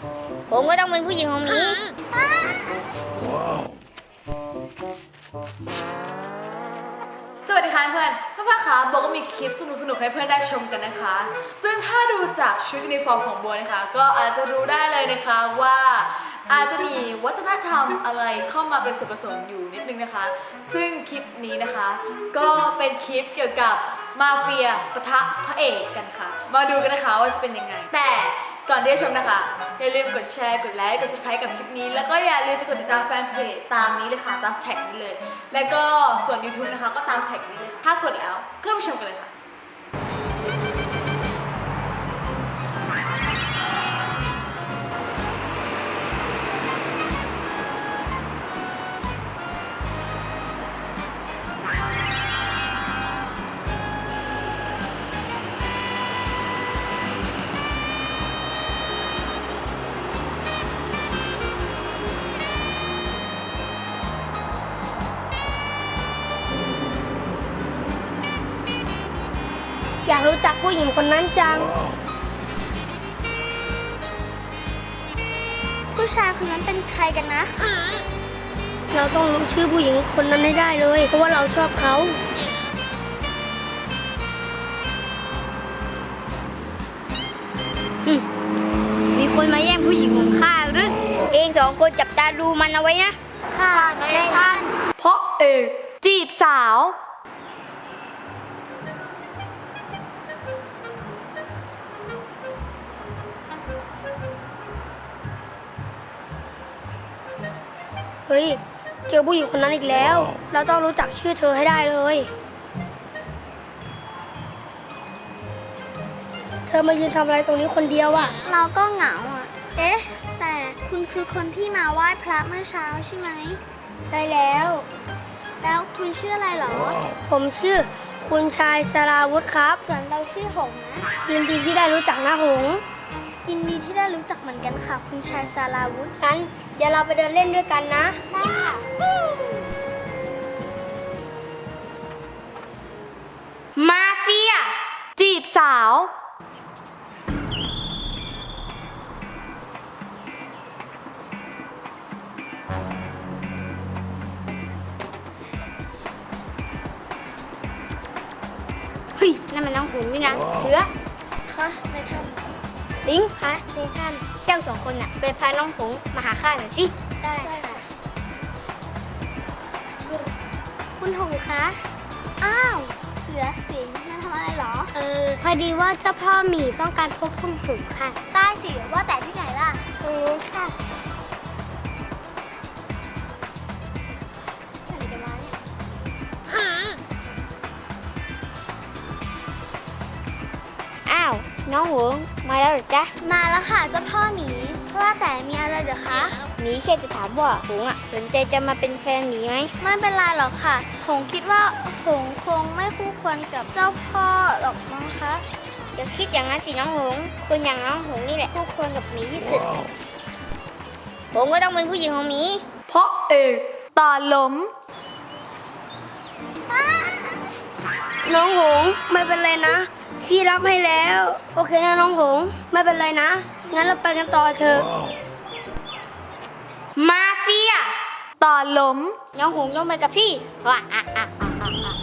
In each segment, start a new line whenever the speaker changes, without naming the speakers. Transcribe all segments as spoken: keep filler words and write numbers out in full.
ผมก็ต้องเป็นผู้หญิงของหมี
สวัสดีค่ะเพื่อนเพื่อนๆคะโบก็มีคลิปสนุกๆให้เพื่อนได้ชมกันนะคะ ซึ่งถ้าดูจากชุดยูนิฟอร์มของโบนะคะก็อาจจะรู้ได้เลยนะคะว่าอาจจะมีวัฒนธรรมอะไรเข้ามาเป็นส่วนผสมอยู่นิดนึงนะคะซึ่งคลิปนี้นะคะก็เป็นคลิปเกี่ยวกับมาเฟียปะทะพระเอกกันค่ะมาดูกันนะคะว่าจะเป็นยังไงแต่ก่อนที่จะชมนะคะอย่าลืมกดแชร์กดไลค์กด ซับสไครบ์ กับคลิปนี้แล้วก็อย่าลืมไปกดติดตามแฟนเพจตามนี้เลยค่ะตามแท็กนี้เลยแล้วก็ส่วน ยูทูบ นะคะก็ตามแท็กนี้เลยถ้ากดแล้วก็ไปชมกันเลยค่ะ
อยากรู้จักผู้หญิงคนนั้นจังผู้ชายคนนั้นเป็นใครกันนะเราต้องรู้ชื่อผู้หญิงคนนั้นให้ได้เลยเพราะว่าเราชอบเขามีคนมาแย่งผู้หญิงของข้าหรือเองสองคนจับตาดูมันเอาไว้นะข้านายท่าน
เพราะเอกจีบสาว
เฮ้ยเจอผู้หญิงคนนั้นอีกแล้วเราต้องรู้จักชื่อเธอให้ได้เลยเธอมายืนทำอะไรตรงนี้คนเดียวอะเราก็เหงาอะเอ๊ะแต่คุณคือคนที่มาไหว้พระเมื่อเช้าใช่ไหมใช่แล้วแล้วคุณชื่ออะไรเหรอผมชื่อคุณชายสราวุธครับส่วนเราชื่อหงนะยินดีที่ได้รู้จักนะหงยินดีที่ได้รู้จักเหมือนกันค่ะคุณชายสราวุธงั้นเดี๋ยวเราไปเดินเล่นด้วยกันนะได้ค่ะมาเฟีย
จีบสาว
เฮ้ยนั่นมันน้องหงนี่นะเสือคะนายท่านสิงห์คะนายท่านเจ้าสองคนน่ะไปพาน้องหงมาหาข้าหน่อยสิได้ค่ะคุณหงคะอ้าวเสือสิงห์มาทำอะไรเหรอเออพอดีว่าเจ้าพ่อหมีต้องการพบคุณหงค่ะได้สิว่าแต่ที่ไหนล่ะตรงนู้นค่ะอ้าวน้องหงมาแล้วหรือจ๊ะมาแล้วค่ะเจ้าพ่อหมีเพราะว่าแต่มีอะไรเหรอคะหมีแค่จะถามว่าหงอ่ะสนใจจะมาเป็นแฟนหมีไหมไม่เป็นไรหรอกค่ะหงคิดว่าหงคงไม่คู่ควรกับเจ้าพ่อหรอกมั้งคะอย่าคิดอย่างนั้นสิน้องหงคนอย่างน้องหงนี่แหละคู่ควรกับหมีที่สุดหงก็ต้องเป็นผู้หญิงของหมี
เพราะเอกตาล้ม
น้องหงไม่เป็นไรนะพี่รับให้แล้วโอเคนะน้องหงไม่เป็นไรนะงั้นเราไปกันต่อเถอะมาเฟีย
ตาล้ม
น้องหงต้องไปกับพี่ว้าอ่ะอ่ะอ่ะอ่ะอ่ะ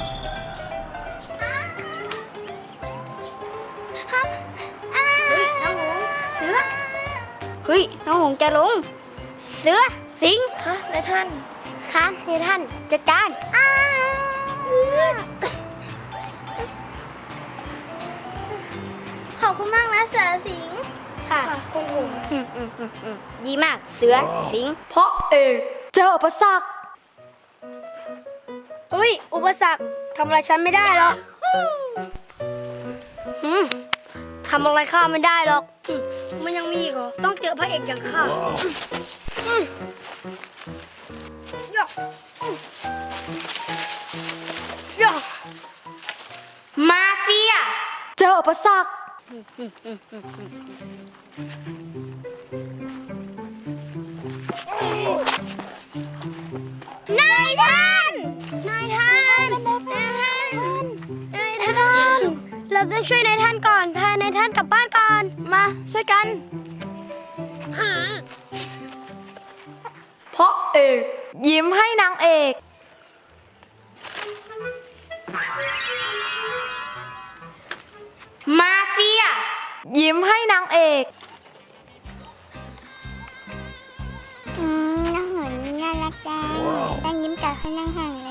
เฮ้ยน้องหงเสือเฮ้ยน้องหงจะลงเสือสิงห์คะนายท่านคะนายท่านจัดการขอบคุณมากนะเสือสิงห์ค่ะคุณหงดีมากเสือสิงห์
เพราะเอกเจออุปสรรค
เฮ้ยอุปสรรคทำอะไรฉันไม่ได้หรอกทำอะไรข้าไม่ได้หรอกมันยังมีอีกเหรอต้องเจอพระเอกอย่างข้ามาเฟีย
เจออุปสรรคน
ายท่านนายท่านนายท่านนายท่านเราต้องช่วยนายท่านก่อนพานายท่านกลับบ้านก่อนมาช่วยกัน
เพราะเอก
ยิ้มให้นางเอก
มาเฟีย
ยิ้มให้นางเอก
อืมน้องหนน่ารักจังตั้งยิ้มกับให้นั่งห่างแล้ว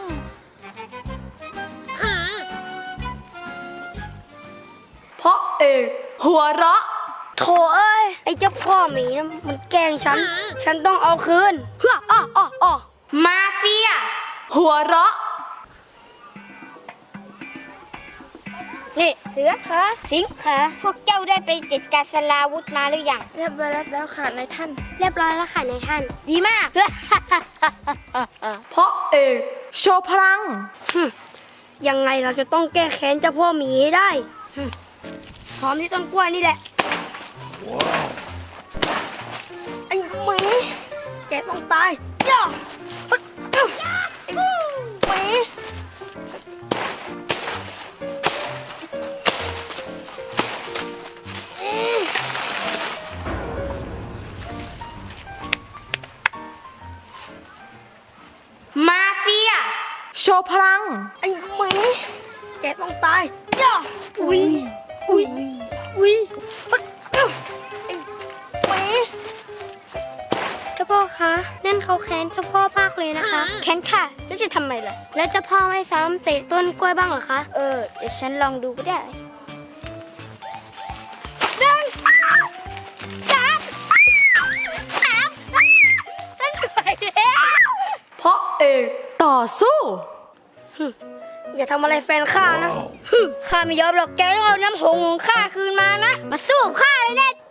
เพราะเอก
หัวเราะ
โถเอ้ยไอ้เจ้าพ่อหมีนะมันแกล้งฉัน ฉันต้องเอาคืนเฮ้ออ้ออ้ออ้อ
มาเฟีย
หัวเราะ
นี่เสือคะสิงคะพวกเจ้าได้ไปจัดการสลาวุธมาหรือยัง
เรียบร้อยแล้วค่ะนายท่าน
เรียบร้อยแล้วค่ะนายท่าน ดีมาก
เพราะเอก
โชว์พลัง
ฮึยังไงเราจะต้องแก้แค้นเจ้าพ่อหมีให้ได้ฮึซ้อมที่ต้นกล้วยนี่แหละไอ้หมีแกต้องตายย่าฮึดอึ๊บไอ้หมี
มาเฟีย
โชว์พลัง
ไอ้หมีแกต้องตายย่าอุ้ยอุ้ยอุ้ยฮึดอึ๊บไอ้หมี
เจ้าพ่อคะนั่นเขาแค้นเจ้าพ่อมากเลยนะคะ แค้นค่ะแล้วจะทำไมล่ะ แล้วเจ้าพ่อไม่ซ้ำเตะต้นกล้วยบ้างเหรอคะ เออเดี๋ยวฉันลองดูก็ได้หนึ่งสามสามฉันไปแล้ว
เพราะเอก
ต่อสู้
อย่าทำอะไรแฟนข้านะ
ข้าไม่ยอมหรอกแกต้องเอาน้ำหงของข้าคืนมานะ มาสู้กับข้าเลยเน็ต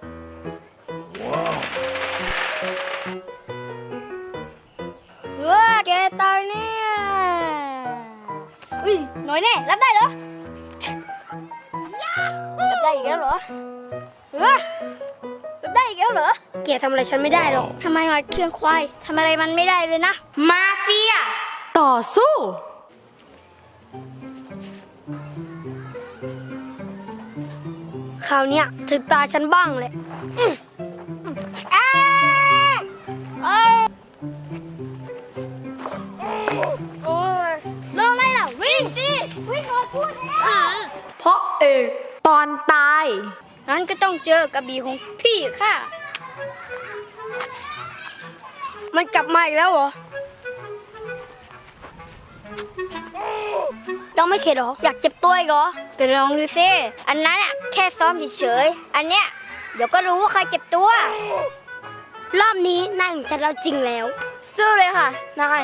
ว้าแกตายเนี่ยอุ้ยหน่อยแน่รับได้เหรอรับได้อีกแล้วเหรอเฮ้ยรับได้อีกแล้วเหรอ
แกทำอะไรฉันไม่ได้หรอก
ทำไมหอยเครื่องควายทำอะไรมันไม่ได้เลยนะ มาเฟีย
ต่อสู้
คราวเนี้ยถึงตาฉันบ้างเลย
อ้าเอ้ยโอ้ยเรื่องอะไรล่ะ วิ่งสิวิ่งก่อนพูดแล้ว
เพราะเอก
ตอนตาย
งั้นก็ต้องเจอกระบี่ของพี่ค่ะ
มันกลับมาอีกแล้วเหรอ ต้องไม่เข็ดเหรอ อยากเจ็บตัวอีกเหรอ
ก็ลองดูซิอันนั้นอะแค่ซ้อมเฉยๆ อันเนี้ยเดี๋ยวก็รู้ว่าใครเจ็บตัว รอบนี้นายของฉันเราจริงแล้ว
สู้เลยค่ะ นาย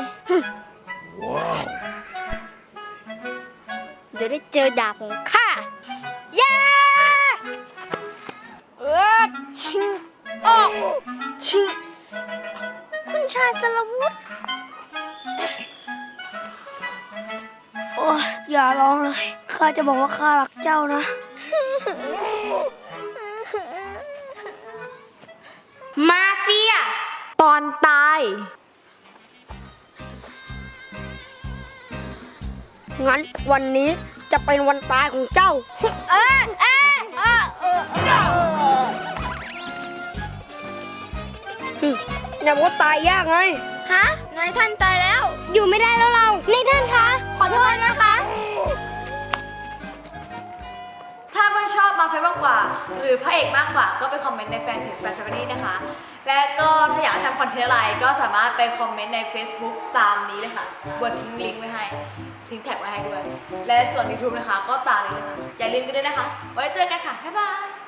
เดี๋ยวได้เจอดาบของข้าย่าเออชิงออกชิงคุณชายสลวุธ
โอ้ยอย่าร้องเลย ข้าจะบอกว่าข้ารักเจ้านะ
มาเฟีย
ตอนตาย
งั้นวันนี้จะเป็นวันตายของเจ้า
เออเออเออเออเออ
ฮึอย่าบอกว่าตายยากไง
ฮะนายท่านตายแล้ว อยู่ไม่ได้แล้วเรานายท่านคะ ขอโทษนะคะ
ถ้าเพื่อนชอบมาเฟซมากกว่า หรือพระเอกมากกว่าก็ไปคอมเมนต์ในแฟนเพจแฟนแฟมิลี่นะคะ และก็ถ้าอยากให้ทำคอนเทนต์อะไรก็สามารถไปคอมเมนต์ใน Facebook ตามนี้เลยค่ะบนทิ้งลิงก์ไว้ให้ทิ้งแท็กไว้ให้ด้วย และส่วน YouTube นะคะก็ตามนี้เลยค่ะอย่าลืมกันด้วยนะคะ ไว้เจอกันค่ะ บ๊ายบาย